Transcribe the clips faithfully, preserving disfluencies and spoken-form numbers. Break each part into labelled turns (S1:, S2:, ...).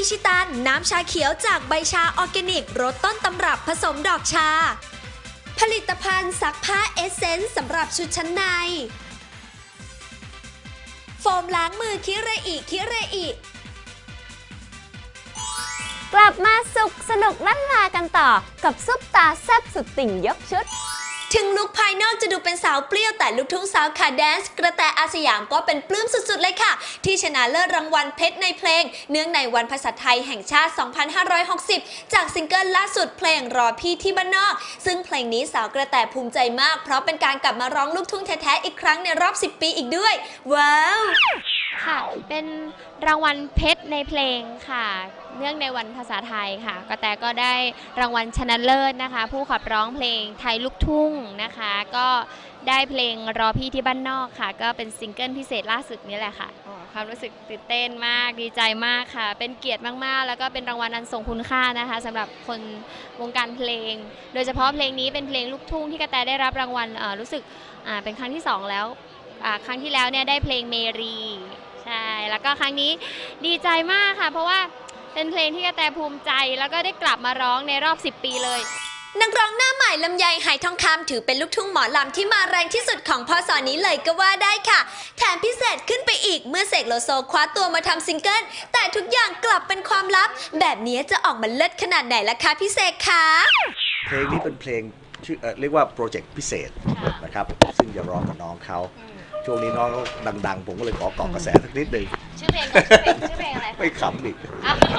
S1: ชิตันน้ำชาเขียวจากใบชาออร์แกนิกรสต้นตำรับผสมดอกชาผลิตภัณฑ์ซักผ้าเอสเซนส์สำหรับชุดชั้นในโฟมล้างมือคิเรอิคิเรอิ
S2: กลับมาสุขสนุกลั่นลากันต่อกับซุปตาแซ่บสุดติ่งยกชุด
S1: ถึงลุคภายนอกจะดูเป็นสาวเปรี้ยวแต่ลูกทุ่งสาวขาแดนซ์กระแตอาสยามก็เป็นปลื้มสุดๆเลยค่ะที่ชนะเลิศรางวัลเพชรในเพลงเนื่องในวันภาษาไทยแห่งชาติ สองพันห้าร้อยหกสิบ จากซิงเกิลล่าสุดเพลงรอพี่ที่บ้านนอกซึ่งเพลงนี้สาวกระแตภูมิใจมากเพราะเป็นการกลับมาร้องลูกทุ่งแท้ๆอีกครั้งในรอบสิบปีอีกด้วยว้าว
S2: ค่ะเป็นรางวัลเพชรในเพลงค่ะเนื่องในวันภาษาไทยค่ะกระแตก็ได้รางวัลชนะเลิศนะคะผู้ขับร้องเพลงไทยลูกทุ่งนะคะก็ได้เพลงรอพี่ที่บ้านนอกค่ะก็เป็นซิงเกิลพิเศษล่าสุดนี้แหละค่ะความรู้สึกตื่นเต้นมากดีใจมากค่ะเป็นเกียรติมากๆแล้วก็เป็นรางวัลอันทรงคุณค่านะคะสำหรับคนวงการเพลงโดยเฉพาะเพลงนี้เป็นเพลงลูกทุ่งที่กระแตได้รับรางวัลรู้สึกเป็นครั้งที่สองแล้วครั้งที่แล้วเนี่ยได้เพลงเมรีใช่แล้วก็ครั้งนี้ดีใจมากค่ะเพราะว่าเป็นเพลงที่กระแตภูมิใจแล้วก็ได้กลับมาร้องในรอบสิบปีเลย
S1: นักร้องหน้าใหม่ลำไยไหทองคำถือเป็นลูกทุ่งหมอลำที่มาแรงที่สุดของพศนี้เลยก็ว่าได้ค่ะแถมพิเศษขึ้นไปอีกเมื่อเสกโลโซคว้าตัวมาทำซิงเกิลแต่ทุกอย่างกลับเป็นความลับแบบนี้จะออกมาเลิศขนาดไหนล่ะคะพี่เสกคะ
S3: เพลงนี้เป็นเพลงชื่อ เอ่อ เรียกว่าโปรเจกต์พิเศษนะครับซึ่งจะร้องกับน้องเขาช่วงนี้น้องดังๆผมก็เลยขอเกาะกระแสสักนิดหนึ่ง
S2: ชื่อเพลงชื่อเพลงชื่อเพลงอะไร
S3: ไม่ขำอีก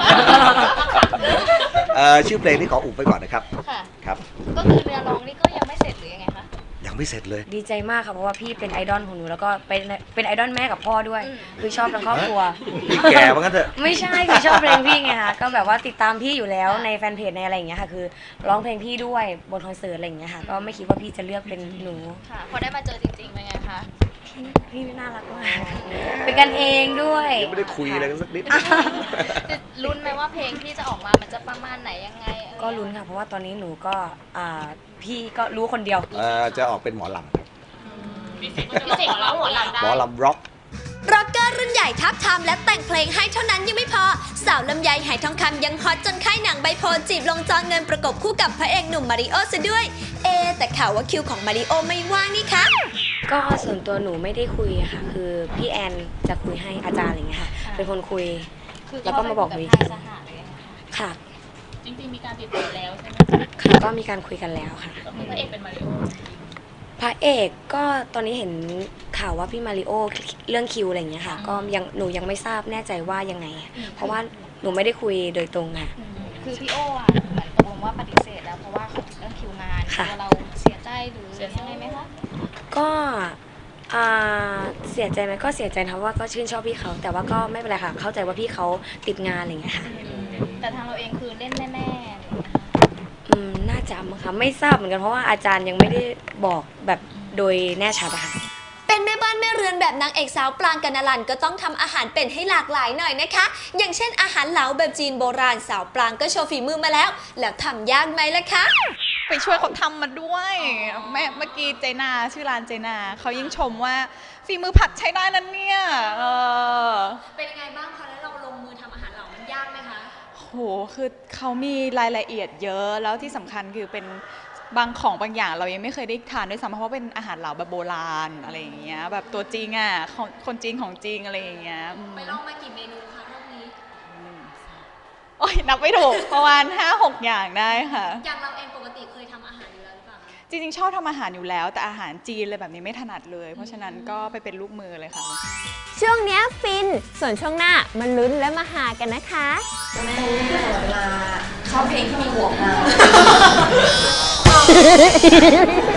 S3: ชื่อเพลงนี้ขออุบไปก่อนนะครับครับ
S2: ก็คือเนื้อร้องนี่ก็ยังไม่เสร็จหรือยังไงคะ
S3: ยังไม่เสร็จเลย
S4: ดีใจมากค่ะเพราะว่าพี่เป็นไอดอลของหนูแล้วก็เป็นเป็นไอดอลแม่กับพ่อด้วยคือชอบทั้งครอบครัว
S3: พี่แก่ว่างั้นเถอะ
S4: ไม่ใช่คือชอบเพลงพี่ไงคะก็แบบว่าติดตามพี่อยู่แล้วในแฟนเพจในอะไรอย่างเงี้ยค่ะคือร้องเพลงพี่ด้วยบนคอนเสิร์ตอะไรอย่างเงี้ยค่ะก็ไม่คิดว่าพี่จะเลือกเป็นหนู
S2: ค่ะพอได้มาเจอจริงๆเป็นไงคะ
S4: พี่น่ารักมากเป็นกันเองด้วย
S3: ยังไม่ได้คุยอะไรกันสักนิด
S2: ลุ้นไหมว่าเพลงที่จะออกมามันจะประมาณไหนยังไง
S4: ก็ลุ้นค่ะเพราะว่าตอนนี้หนูก็พี่ก็รู้คนเดียว
S3: จะออกเป็นหมอลำ
S2: พี่เสกร้องหมอลำได้
S3: หมอลำร็อก
S1: ร็อกเกอร์รุ่นใหญ่ทับทามและแต่งเพลงให้เท่านั้นยังไม่พอสาวลำไยไหทองคำยังฮอตจนค่ายหนังใบโพจีบลงจอเงินประกบคู่กับพระเอกหนุ่มมาริโอซะด้วยเอแต่ข่าวว่าคิวของมาริโอไม่ว่างนี่คะ
S4: ก็ส่วนตัวหนูไม่ได้คุยค่ะคือพี่แอนจะคุยให้อาจารย์อะไรเงี้ยค่ะเป็นคนคุยแล้วก็มาบอกวิธีค่ะ
S2: จริงๆมีการติดต่อแล้วใช่ไหม
S4: ค่ะก็มีการคุยกันแล้วค่ะ
S2: พระเอกเป็นมาริโอ
S4: พระเอกก็ตอนนี้เห็นข่าวว่าพี่มาริโอเรื่องคิวอะไรอย่างเงี้ยค่ะก็ยังหนูยังไม่ทราบแน่ใจว่ายังไงเพราะว่าหนูไม่ได้คุยโดยตรงค่ะ
S2: คือพี่โออ่ะเหมือนตกลงว่าปฏิเสธแล้วเพราะว่าเรื่องคิวงานตัวเราเสียใจหรือยังไงไหมคะ
S4: ก็เสียใจไหมก็เสียใจนะว่าก็ชื่นชอบพี่เขาแต่ว่าก็ไม่เป็นไรค่ะเข้าใจว่าพี่เขาติดงานอะไรอย่างเงี้ยค่ะ
S2: แต่ทางเราเองคือเล่นแน่ๆ
S4: อืมน่าจะมั้งคะไม่ทราบเหมือนกันเพราะว่าอาจารย์ยังไม่ได้บอกแบบโดยแน่ชัดอะค่ะ
S1: เป็นแม่บ้านแม่เรือนแบบนางเอกสาวปรางกนลันก็ต้องทำอาหารเป็นให้หลากหลายหน่อยนะคะอย่างเช่นอาหารเหลาแบบจีนโบราณสาวปรางก็โชว์ฝีมือมาแล้วแล้วทำยากไหมล่ะคะ
S5: ไปช่วยเขาทำมาด้วยแม่เมื่อกี้เจนาชื่อร้านเจนาเขายิ่งชมว่าฝีมือผัดใช้ได้นั่นเนี่ยเออ
S1: เป็นยังไงบ้างคะแล้วเราลงมือทำอาหารเหลามันยากไหมคะ
S5: โหคือเขามีรายละเอียดเยอะแล้วที่สำคัญคือเป็นบางของบางอย่างเรายังไม่เคยได้ทานด้วยซ้ำเพราะว่าเป็นอาหารเหลาแบบโบราณอะไรอย่างเงี้ยแบบตัวจริงอ่ะคนจริงของจริงอะไรอย่างเงี้ย
S1: ไปลองมากี่เมนูคะรอบนี้
S5: โอ้ยนับไม่ถูกประมาณ ห้าหก อย่างได้ค่ะ
S1: อย่างเราเองปกติเคยทำอาหารอยู่แล้วหรือเปล่า
S5: จริงๆชอบทำอาหารอยู่แล้วแต่อาหารจีนเลยแบบนี้ไม่ถนัดเลยเพราะฉะนั้นก็ไปเป็นลูกมือเลยค่ะ
S2: ช่วงนี้ฟินส่วนช่วงหน้ามาลุ้นและมาหากันนะคะ
S4: แม่เวลาชอบเพลงที่มีหัวมา